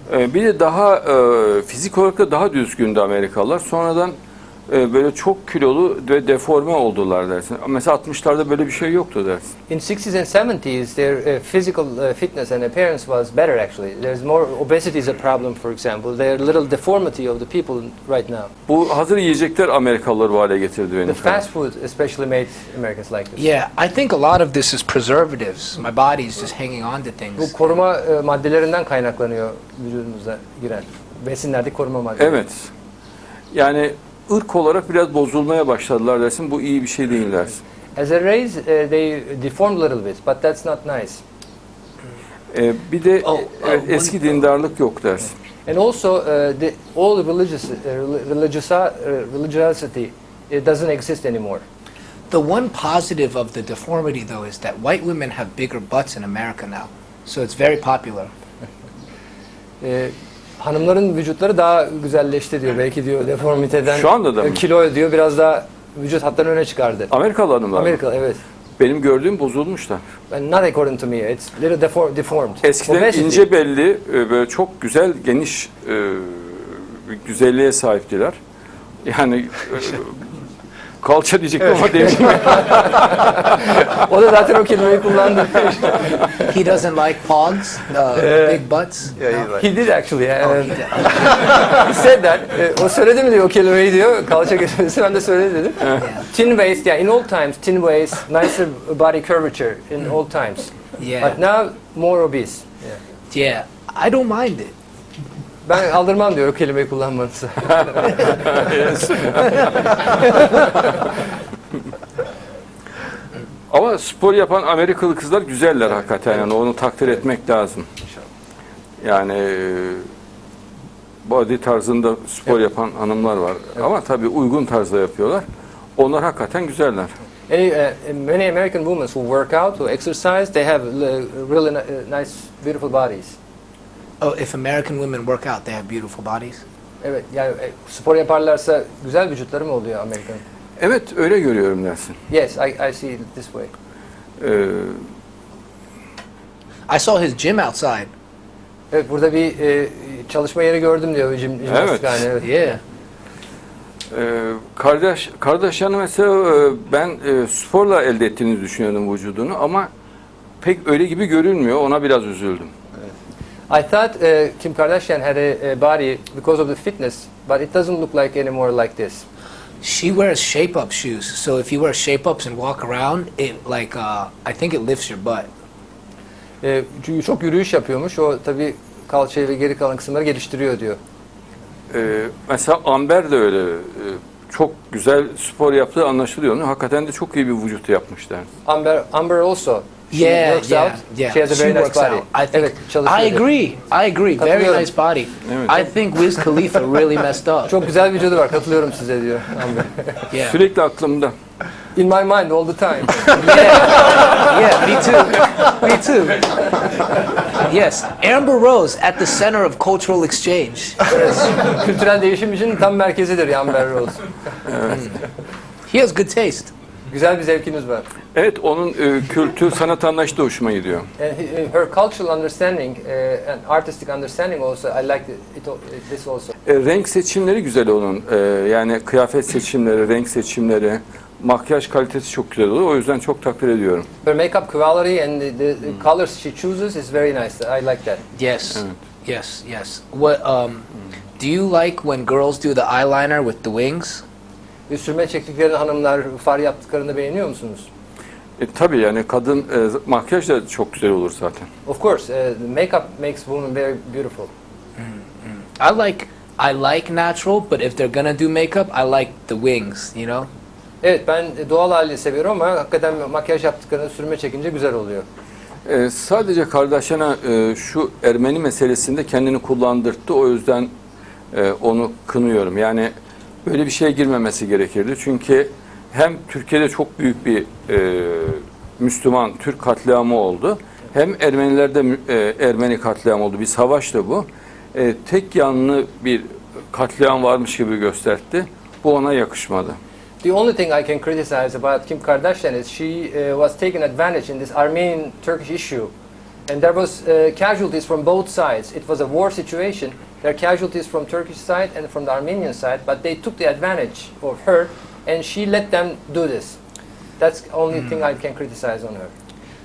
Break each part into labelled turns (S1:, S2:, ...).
S1: Bir de daha fizik olarak da daha düzgündü Amerikalılar. Sonradan böyle çok kilolu ve deforme oldular dersin. Mesela 60'larda böyle bir şey yoktu dersin.
S2: In 60s and 70s, their physical fitness and appearance was better actually. There's more obesity is a problem, for example. There's little deformity of the people right now.
S1: Bu hazır yiyecekler Amerikalıları bu hale getirdi benim.
S2: The fast food especially made Americans like this.
S3: Yeah, I think a lot of this is preservatives. My body's just hanging on to
S2: Bu
S3: things.
S2: koruma maddelerinden kaynaklanıyor vücudumuza giren. Besinlerdeki koruma maddeleri.
S1: Evet. Yani ırk olarak biraz bozulmaya başladılar dersin. Bu iyi bir şey değil dersin.
S2: As a race, they deformed a little bit, but that's not nice.
S1: Bir de eski dindarlık yok dersin.
S2: And also, all religiosity doesn't exist anymore.
S3: The one positive of the deformity, though, is that white women have bigger butts in America now. So it's very popular.
S2: Hanımların vücutları daha güzelleşti diyor. Belki diyor deformiteden.
S1: Şu anda da mı?
S2: Kilo diyor biraz daha vücut hatlarını öne çıkardı.
S1: Amerikalı hanımlar.
S2: Amerika, evet.
S1: Benim gördüğüm bozulmuşlar.
S2: And not according to me. It's little deformed.
S1: Eskiden
S2: Obesity.
S1: ince belli, böyle çok güzel, geniş bir güzelliğe sahiptiler. Yani kalça diyecektim ama demeyeyim.
S2: O da zaten o kelimeyi kullandı.
S3: He doesn't like pogs, big butts.
S2: He did actually.
S3: Oh, he did.
S2: He said that. O söyledi mi diyor o kelimeyi diyor. Kalça kelimesi ben de söyledi dedim. Thin waist, yeah. In old times, thin waist, nicer body curvature in old times.
S3: Yeah.
S2: But now more obese.
S3: Yeah, I don't mind it.
S2: Ben aldırmam diyor o kelimeyi kullanmanızı.
S1: Ama spor yapan Amerikalı kızlar güzeller hakikaten. Yani onu takdir etmek lazım. Yani body tarzında spor yapan hanımlar var. Ama tabii uygun tarzda yapıyorlar. Onlar hakikaten güzeller.
S2: Many American women who work out, who exercise, they have really nice, beautiful bodies.
S3: Oh, if American women work out, they have beautiful bodies?
S2: Evet, yani spor yaparlarsa güzel vücutları mı oluyor Amerikan?
S1: Evet, öyle görüyorum dersin.
S2: Yes, I see it this way.
S3: I saw his gym outside.
S2: Evet, burada bir çalışma yeri gördüm diyor jimnastikhane. Evet.
S3: Yeah.
S1: Kardashian'ı mesela ben sporla elde ettiğini düşünüyordum vücudunu ama pek öyle gibi görünmüyor. Ona biraz üzüldüm.
S2: I thought Kim Kardashian had a body because of the fitness, but it doesn't look like anymore like this.
S3: She wears shape-up shoes, so if you wear shape-ups and walk around, it I think it lifts your butt.
S2: Çünkü çok yürüyüş yapıyormuş. O tabii kalçayı ve geri kalan kısımları geliştiriyor diyor.
S1: Mesela Amber de öyle. Çok güzel spor yaptığı anlaşılıyor. Hakikaten de çok iyi bir vücut yapmışlar.
S2: Amber also. She
S3: Yeah,
S2: works
S3: yeah,
S2: out.
S3: yeah.
S2: She has a
S3: She
S2: very nice
S3: works
S2: body.
S3: out. I think.
S2: Evet, çalışıyor.
S3: I agree. Very
S2: Katılıyorum.
S3: nice body.
S1: Evet.
S3: I think Wiz Khalifa really messed up.
S2: Çok güzel vücudu var. Katılıyorum size diyor Amber.
S3: Yeah.
S1: Sürekli aklımda.
S2: In my mind all the time.
S3: Yeah, me too. Me too. Yes, Amber Rose at the center of cultural exchange.
S2: Kültürel değişim için tam merkezidir Amber Rose.
S3: He has good taste.
S2: Güzel bir zevkiniz var.
S1: Evet, onun kültür, sanat anlayışı da hoşuma gidiyor.
S2: And her cultural understanding and artistic understanding also, I like this also.
S1: Renk seçimleri güzel onun. Yani kıyafet seçimleri, renk seçimleri, makyaj kalitesi çok güzel oluyor. O yüzden çok takdir ediyorum.
S2: Her makeup quality and the colors she chooses is very nice. I like that.
S3: Yes. Yes. What do you like when girls do the eyeliner with the wings?
S2: Sürme çektiklerini hanımlar far yaptıklarını beğeniyor musunuz?
S1: Tabii yani kadın makyaj da çok güzel olur zaten.
S2: Of course, makeup makes women very beautiful.
S3: I like natural, but if they're gonna do makeup, I like the wings, you know?
S2: Evet, ben doğal hali seviyorum ama hakikaten makyaj yaptıklarını sürme çekince güzel oluyor.
S1: Sadece Kardashian'a şu Ermeni meselesinde kendini kullandırttı. O yüzden onu kınıyorum. Yani böyle bir şeye girmemesi gerekirdi. Çünkü hem Türkiye'de çok büyük bir Müslüman Türk katliamı oldu. Hem Ermenilerde Ermeni katliamı oldu. Bir savaştı bu. Tek yanlı bir katliam varmış gibi gösterdi. Bu ona yakışmadı.
S2: The only thing I can criticize about Kim Kardashian is she was taking advantage in this Armenian-Turkish issue And there was casualties from both sides. It was a war situation. There are casualties from Turkish side and from the Armenian side, but they took the advantage of her, and she let them do this. That's the only thing I can criticize on her.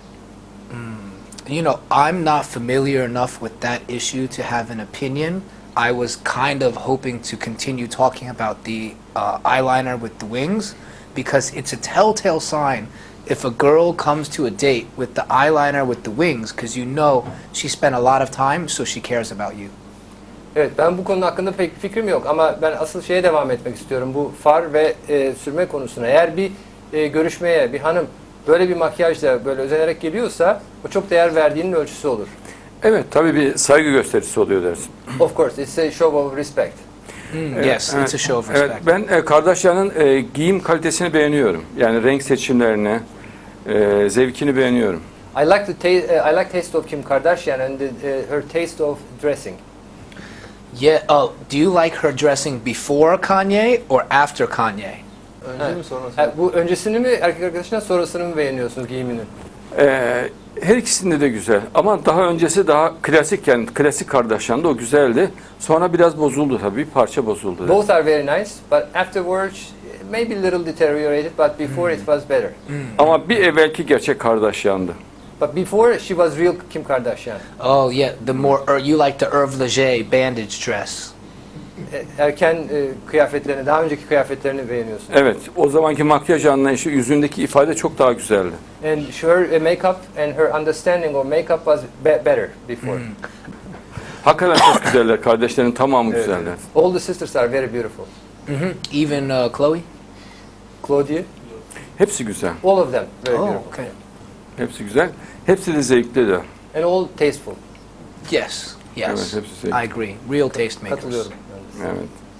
S3: You know, I'm not familiar enough with that issue to have an opinion. I was kind of hoping to continue talking about the eyeliner with the wings because it's a telltale sign if a girl comes to a date with the eyeliner with the wings because you know she spent a lot of time, so she cares about you.
S2: Evet, ben bu konu hakkında pek fikrim yok ama ben asıl şeye devam etmek istiyorum. Bu far ve sürme konusuna. Eğer bir görüşmeye bir hanım böyle bir makyajla böyle özenerek geliyorsa o çok değer verdiğinin ölçüsü olur.
S1: Evet, tabii bir saygı gösterisi oluyor dersin.
S2: Of course, it's a show of respect.
S3: Yes, it's a show of
S1: Evet,
S3: respect.
S1: ben Kardashian'ın giyim kalitesini beğeniyorum. Yani renk seçimlerini, zevkini beğeniyorum.
S2: I like taste of Kim Kardashian and her taste of dressing.
S3: Yeah. Oh, do you like her dressing before Kanye or after Kanye?
S4: Önce mi sonra mı?
S2: Bu öncesini mi erkek arkadaşından sonrasını mı beğeniyorsunuz giyiminin?
S1: Her ikisinde de güzel. Ama daha öncesi daha klasik, yani klasik Kardashian'da o güzeldi. Sonra biraz bozuldu tabii, bir parça bozuldu.
S2: Both are very nice, but afterwards maybe a little deteriorated, but before it was better.
S1: Ama bir evvelki gerçek Kardashian'dı.
S2: But before she was real Kim Kardashian.
S3: Oh yeah, the more you like the Hervé Leger bandage dress.
S2: Erken kıyafetlerini, daha önceki kıyafetlerini beğeniyorsun.
S1: Evet, o zamanki makyaj anlayışı, yüzündeki ifade çok daha güzeldi.
S2: And her makeup and her understanding of makeup was better before.
S1: Hakikaten çok güzeller, kardeşlerin tamamı güzeller.
S2: All the sisters are very beautiful.
S3: Even Chloe.
S2: Claudia,
S1: Hepsi güzel,
S2: all of them very
S3: Oh,
S2: beautiful.
S3: okay.
S1: hepsi güzel. Hepsi de zevkli de.
S2: And all tasteful.
S3: Yes. Yes.
S1: Evet, hepsi zevkli.
S3: I agree. Real taste makers.
S2: Katılıyorum.
S1: Evet.